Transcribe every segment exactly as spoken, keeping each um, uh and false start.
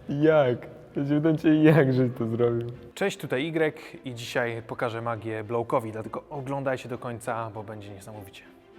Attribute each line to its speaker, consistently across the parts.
Speaker 1: Jak? Ja się pytam cię, jak żeś to zrobił?
Speaker 2: Cześć, tutaj Y i dzisiaj pokażę magię Blowkowi, dlatego oglądajcie do końca, bo będzie niesamowicie.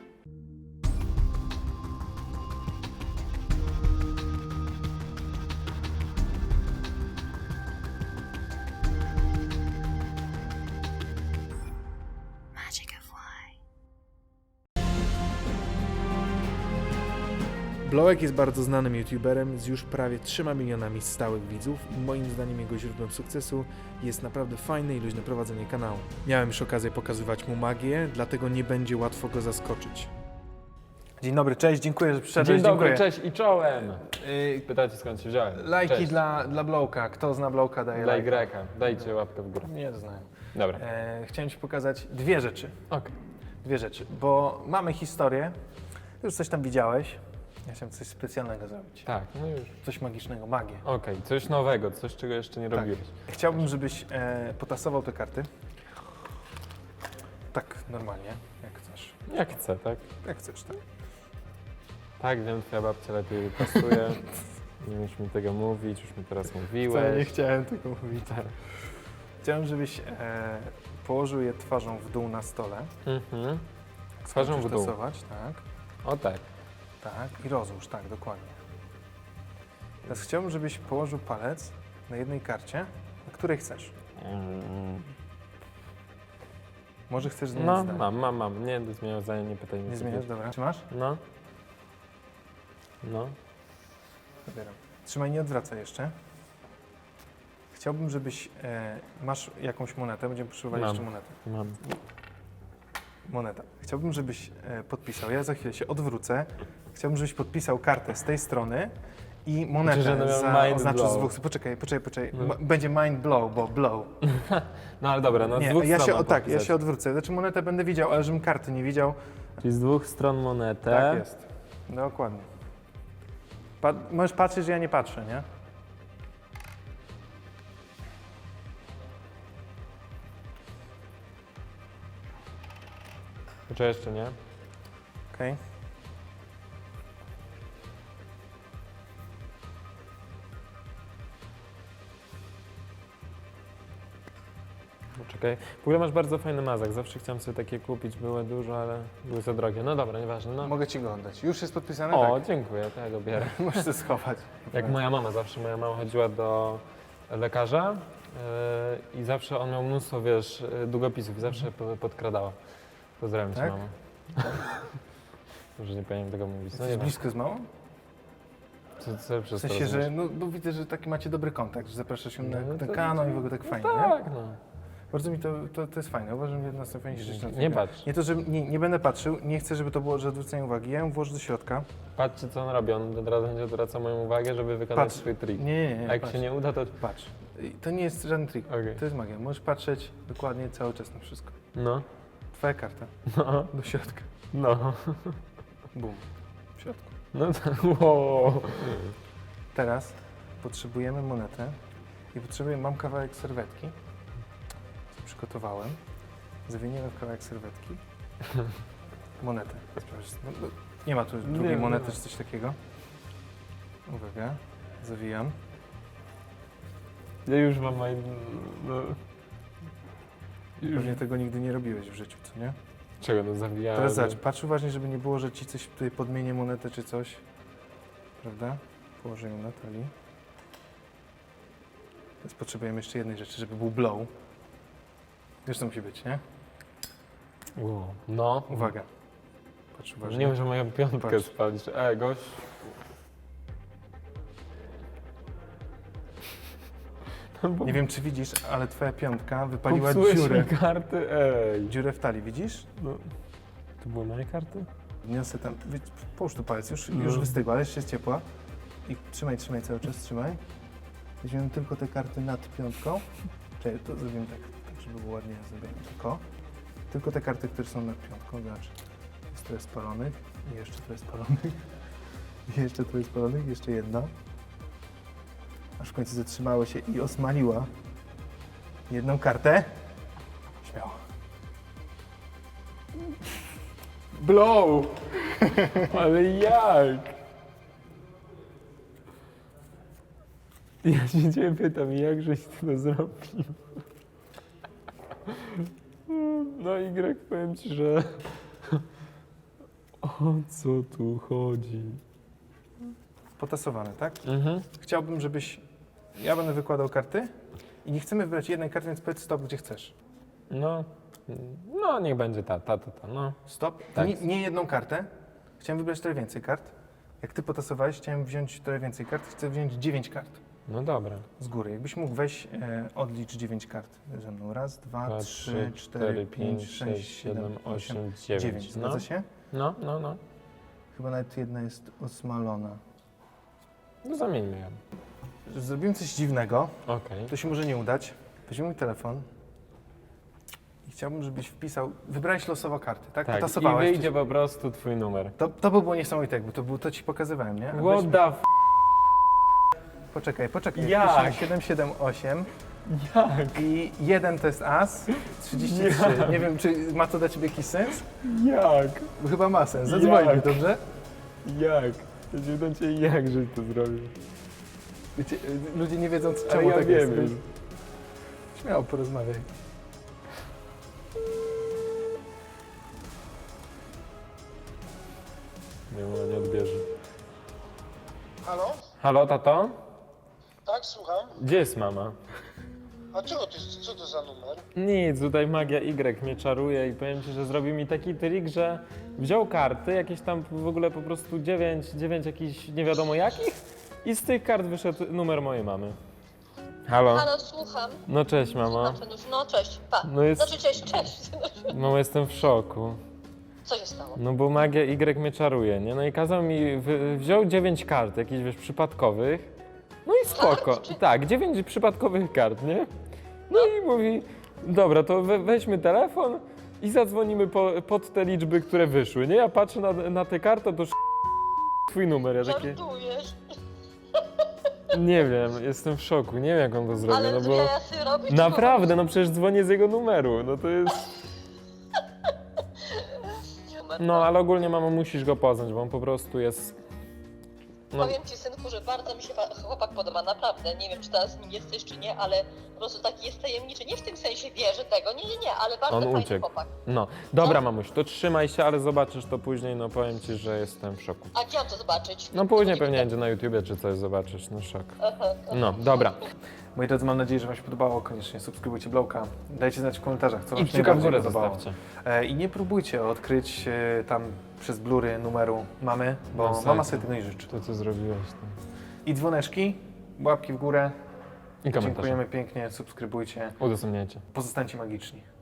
Speaker 2: Blowek jest bardzo znanym youtuberem z już prawie trzema milionami stałych widzów i moim zdaniem jego źródłem sukcesu jest naprawdę fajne i luźne prowadzenie kanału. Miałem już okazję pokazywać mu magię, dlatego nie będzie łatwo go zaskoczyć. Dzień dobry, cześć, dziękuję, że przyszedłeś.
Speaker 1: Dzień dobry,
Speaker 2: dziękuję.
Speaker 1: cześć i czołem!
Speaker 2: Yy,
Speaker 1: Pytacie skąd się wziąłem?
Speaker 2: lajki
Speaker 1: Cześć.
Speaker 2: dla, dla Blowka. Kto zna Blowka, daje
Speaker 1: Dla
Speaker 2: lajka.
Speaker 1: Y. Dajcie łapkę w górę.
Speaker 2: Nie znają.
Speaker 1: Dobra.
Speaker 2: E, chciałem Ci pokazać dwie rzeczy.
Speaker 1: Okej.
Speaker 2: Dwie rzeczy, bo mamy historię. Już coś tam widziałeś. Ja chciałem coś specjalnego zrobić.
Speaker 1: Tak, no już.
Speaker 2: Coś magicznego, magię.
Speaker 1: Okej, coś nowego, coś czego jeszcze nie robiłeś.
Speaker 2: Chciałbym, żebyś e, potasował te karty. Tak, normalnie, jak chcesz.
Speaker 1: Jak chcę, tak?
Speaker 2: Jak chcesz, tak?
Speaker 1: Tak, wiem, twoja babcia lepiej pasuje. Nie musisz mi tego mówić, już mi teraz mówiłeś.
Speaker 2: Wcale nie chciałem tego mówić.
Speaker 1: Tak.
Speaker 2: Chciałem, żebyś e, położył je twarzą w dół na stole.
Speaker 1: Mhm. Twarzą w dół.
Speaker 2: Tasować, tak,
Speaker 1: O tak.
Speaker 2: tak. I rozłóż, tak, dokładnie. Teraz chciałbym, żebyś położył palec na jednej karcie, na której chcesz.
Speaker 1: Mm.
Speaker 2: Może chcesz zmienić
Speaker 1: No,
Speaker 2: zdanie.
Speaker 1: mam, mam, mam. Nie, zmieniam zdanie, nie pytaj mnie.
Speaker 2: Nie
Speaker 1: co
Speaker 2: zmieniasz,
Speaker 1: wiesz.
Speaker 2: dobra. Trzymasz?
Speaker 1: No. No.
Speaker 2: Zabieram. Trzymaj, nie odwracaj jeszcze. Chciałbym, żebyś... E, masz jakąś monetę, będziemy potrzebowali
Speaker 1: Mam.
Speaker 2: jeszcze monetę.
Speaker 1: Mam.
Speaker 2: Moneta. Chciałbym, żebyś e, podpisał. Ja za chwilę się odwrócę. Chciałbym, żebyś podpisał kartę z tej strony i monetę
Speaker 1: Znaczy, że
Speaker 2: za,
Speaker 1: mind
Speaker 2: oznaczył z
Speaker 1: blow.
Speaker 2: dwóch... Poczekaj, poczekaj, poczekaj.
Speaker 1: No.
Speaker 2: Ma- Będzie mind blow, bo blow.
Speaker 1: No ale dobra, no z
Speaker 2: Nie,
Speaker 1: dwóch
Speaker 2: ja
Speaker 1: stron
Speaker 2: się,
Speaker 1: mam
Speaker 2: o, tak, ja
Speaker 1: podpisać.
Speaker 2: się odwrócę. Znaczy monetę będę widział, ale żebym karty nie widział.
Speaker 1: Czyli z dwóch stron monetę.
Speaker 2: Tak jest. Dokładnie. Pa możesz patrzeć, że ja nie patrzę, nie?
Speaker 1: Czy jeszcze nie?
Speaker 2: Okej.
Speaker 1: Poczekaj. W ogóle masz bardzo fajny mazak. Zawsze chciałem sobie takie kupić. Były dużo, ale były za drogie. No dobra, nieważne. No.
Speaker 2: Mogę ci go oddać. Już jest podpisane?
Speaker 1: O,
Speaker 2: Tak.
Speaker 1: dziękuję, to ja go bierę.
Speaker 2: Możesz to schować.
Speaker 1: Jak moja mama zawsze, moja mama chodziła do lekarza yy, i zawsze on miał mnóstwo, wiesz, yy, długopisów i zawsze po- podkradała. Pozdrawiam cię,
Speaker 2: Tak?
Speaker 1: mamo. Może nie powinienem tego mówić. No
Speaker 2: Jesteś
Speaker 1: nie
Speaker 2: blisko z małą?
Speaker 1: Co, co
Speaker 2: W
Speaker 1: przez to
Speaker 2: sensie, że
Speaker 1: rozumiesz?
Speaker 2: no, bo widzę, że taki macie dobry kontakt, że zapraszasz ją na,
Speaker 1: No,
Speaker 2: na
Speaker 1: to-
Speaker 2: kanał i w ogóle tak fajnie, nie?
Speaker 1: Tak, no.
Speaker 2: Bardzo mi to, to, to jest fajne. Uważam, że jedna z najfajniejszych rzeczy na tym
Speaker 1: Nie
Speaker 2: kanale.
Speaker 1: patrz.
Speaker 2: Nie to, że nie, nie będę patrzył, nie chcę, żeby to było, że odwrócenie uwagi. Ja ją włożę do środka.
Speaker 1: Patrzcie, co on robi. On od razu będzie odwracał moją uwagę, żeby wykonać
Speaker 2: Patrz.
Speaker 1: swój trik.
Speaker 2: Nie, nie, nie.
Speaker 1: A jak
Speaker 2: patrz.
Speaker 1: się nie uda, to...
Speaker 2: Patrz. I to nie jest żaden trik.
Speaker 1: Okej.
Speaker 2: To jest magia. Możesz patrzeć dokładnie cały czas na wszystko.
Speaker 1: No,
Speaker 2: Twoja karta.
Speaker 1: no,
Speaker 2: Do środka.
Speaker 1: no.
Speaker 2: Bum. W środku.
Speaker 1: No to... Wow.
Speaker 2: Teraz potrzebujemy monetę i potrzebuję, mam kawałek serwetki, co przygotowałem. Zawiniemy w kawałek serwetki monetę. Sprawdź, no, no, nie ma tu drugiej
Speaker 1: nie
Speaker 2: monety
Speaker 1: ma.
Speaker 2: czy coś takiego. Uwaga, zawijam.
Speaker 1: Ja już mam... maj- No. Już...
Speaker 2: Pewnie tego nigdy nie robiłeś w życiu, co nie?
Speaker 1: Czego, no zawijałem?
Speaker 2: Teraz zobacz, patrz uważnie, żeby nie było, że ci coś tutaj podmienię monetę czy coś. Prawda? Położę ją na talii. Teraz potrzebujemy jeszcze jednej rzeczy, żeby był blow. Wiesz, co musi być, nie?
Speaker 1: Wow. No.
Speaker 2: Uwaga. Patrz uważnie.
Speaker 1: Nie wiem, że moją piątkę
Speaker 2: Patrz.
Speaker 1: spalisz. E, gość.
Speaker 2: Nie wiem, czy widzisz, ale twoja piątka wypaliła
Speaker 1: Popsułeś
Speaker 2: dziurę.
Speaker 1: mi karty, ej.
Speaker 2: Dziurę w talii, widzisz?
Speaker 1: No. To były moje karty?
Speaker 2: Niosę tam, wy- połóż tu palec, już,
Speaker 1: No.
Speaker 2: już wystygła, ale jeszcze jest ciepła. I trzymaj, trzymaj cały czas, trzymaj. Weźmiemy tylko te karty nad piątką. Czekaj, to zrobimy tak, tak żeby było ładnie zrobione. Tylko, tylko te karty, które są nad piątką, zobacz. Jest trochę spalonych i jeszcze trochę spalonych. I jeszcze trochę spalonych, jeszcze jedna. Aż w końcu zatrzymały się i osmaliła jedną kartę. Śmiało.
Speaker 1: Blow! Ale jak? Ja się ciebie pytam, jak żeś ty to zrobił? No Y, powiem ci, że... O co tu chodzi?
Speaker 2: Potasowane, tak?
Speaker 1: Mhm.
Speaker 2: Chciałbym, żebyś... Ja będę wykładał karty i nie chcemy wybrać jednej karty, więc powiedz stop, gdzie chcesz.
Speaker 1: No, no niech będzie ta, ta, ta, ta, no.
Speaker 2: Stop.
Speaker 1: Tak.
Speaker 2: Nie, nie jedną kartę. Chciałem wybrać trochę więcej kart. Jak ty potasowałeś, chciałem wziąć trochę więcej kart. Chcę wziąć dziewięć kart
Speaker 1: No dobra.
Speaker 2: z góry. Jakbyś mógł weź, e, odlicz dziewięć kart ze mną. Raz, dwa,
Speaker 1: Dwa,
Speaker 2: trzy, cztery, pięć, sześć, siedem, osiem,
Speaker 1: dziewięć.
Speaker 2: dziewięć. Zgadza
Speaker 1: No,
Speaker 2: się?
Speaker 1: no, no, no.
Speaker 2: Chyba nawet jedna jest osmalona.
Speaker 1: No zamieńmy ją.
Speaker 2: Zrobimy coś dziwnego.
Speaker 1: Okej.
Speaker 2: To się może nie udać. Weźmy mój telefon. I chciałbym, żebyś wpisał... Wybrałeś losowo karty, tak?
Speaker 1: Tak, i
Speaker 2: Potasowałeś.
Speaker 1: wyjdzie po prostu twój numer.
Speaker 2: To, to by było niesamowite, jakby to było, to ci pokazywałem, nie? A
Speaker 1: What
Speaker 2: weźmy-
Speaker 1: the f...
Speaker 2: Poczekaj, poczekaj.
Speaker 1: Jak?
Speaker 2: Wpiszemy siedem siedem osiem
Speaker 1: Jak?
Speaker 2: i jeden to jest as, trzydzieści trzy. Nie wiem, czy ma to dla ciebie jakiś sens?
Speaker 1: Jak?
Speaker 2: Chyba ma sens. Zadzwoń mi,
Speaker 1: Jak?
Speaker 2: dobrze?
Speaker 1: Jak? Ja się pytam cię, jak żeś to zrobił?
Speaker 2: Wiecie, ludzie nie wiedzą,
Speaker 1: Ale
Speaker 2: czemu
Speaker 1: ja
Speaker 2: tak
Speaker 1: wiem.
Speaker 2: jest. Śmiało porozmawiaj.
Speaker 1: Nie, ona nie odbierze.
Speaker 3: Halo?
Speaker 1: Halo, tato?
Speaker 3: Tak, słucham.
Speaker 1: Gdzie jest mama?
Speaker 3: A czego ty, co to za numer?
Speaker 1: Nic, tutaj magia Y mnie czaruje i powiem ci, że zrobił mi taki trik, że wziął karty, jakieś tam w ogóle po prostu dziewięć, dziewięć jakichś nie wiadomo jakich i z tych kart wyszedł numer mojej mamy. Halo?
Speaker 4: Halo, słucham.
Speaker 1: No cześć mama.
Speaker 4: Znaczy, no cześć, pa.
Speaker 1: No jest-
Speaker 4: Znaczy, cześć, cześć.
Speaker 1: No jestem w szoku.
Speaker 4: Co się stało?
Speaker 1: No bo magia Y mnie czaruje, nie? No i kazał mi, wy, wziął dziewięć kart, jakichś wiesz, przypadkowych. No i spoko.
Speaker 4: Kart, czy-
Speaker 1: Tak, dziewięć przypadkowych kart, nie? No i mówi, dobra, to we, weźmy telefon i zadzwonimy po, pod te liczby, które wyszły, nie? Ja patrzę na, na te karty, to sz... twój numer, ja takie,
Speaker 4: Żartujesz,
Speaker 1: nie wiem, jestem w szoku, nie wiem jak on to zrobił,
Speaker 4: ale
Speaker 1: no
Speaker 4: no
Speaker 1: bo
Speaker 4: jasy robić.
Speaker 1: naprawdę, no przecież dzwonię z jego numeru, no to jest, no ale ogólnie mamo musisz go poznać, bo on po prostu jest, no,
Speaker 4: Powiem ci, synku, że bardzo mi się pa- chłopak podoba, naprawdę. Nie wiem, czy teraz z nim jesteś, czy nie, ale po prostu taki jest tajemniczy. Nie w tym sensie wierzę tego, nie, nie, nie, ale bardzo
Speaker 1: On
Speaker 4: fajny
Speaker 1: uciekł.
Speaker 4: chłopak.
Speaker 1: no. Dobra mamuś, to trzymaj się, ale zobaczysz to później, no powiem ci, że jestem w szoku.
Speaker 4: A gdzie mam to zobaczyć?
Speaker 1: No później pewnie będzie na YouTubie czy coś zobaczysz, no szok.
Speaker 4: Aha,
Speaker 1: No, dobra.
Speaker 2: Moi drodzy, mam nadzieję, że Wam się podobało. Koniecznie subskrybujcie Blowka. Dajcie znać w komentarzach, co
Speaker 1: I
Speaker 2: Wam się
Speaker 1: kciuka w
Speaker 2: najbardziej
Speaker 1: górę
Speaker 2: podobało.
Speaker 1: zostawcie.
Speaker 2: E, I nie próbujcie odkryć e, tam przez blury numeru mamy, bo
Speaker 1: No,
Speaker 2: mama
Speaker 1: tak.
Speaker 2: sobie tego nie życzy.
Speaker 1: To co zrobiłeś tam.
Speaker 2: I dzwoneczki, łapki w górę.
Speaker 1: I komentarze.
Speaker 2: Dziękujemy pięknie, subskrybujcie.
Speaker 1: Udostępniajcie.
Speaker 2: Pozostańcie magiczni.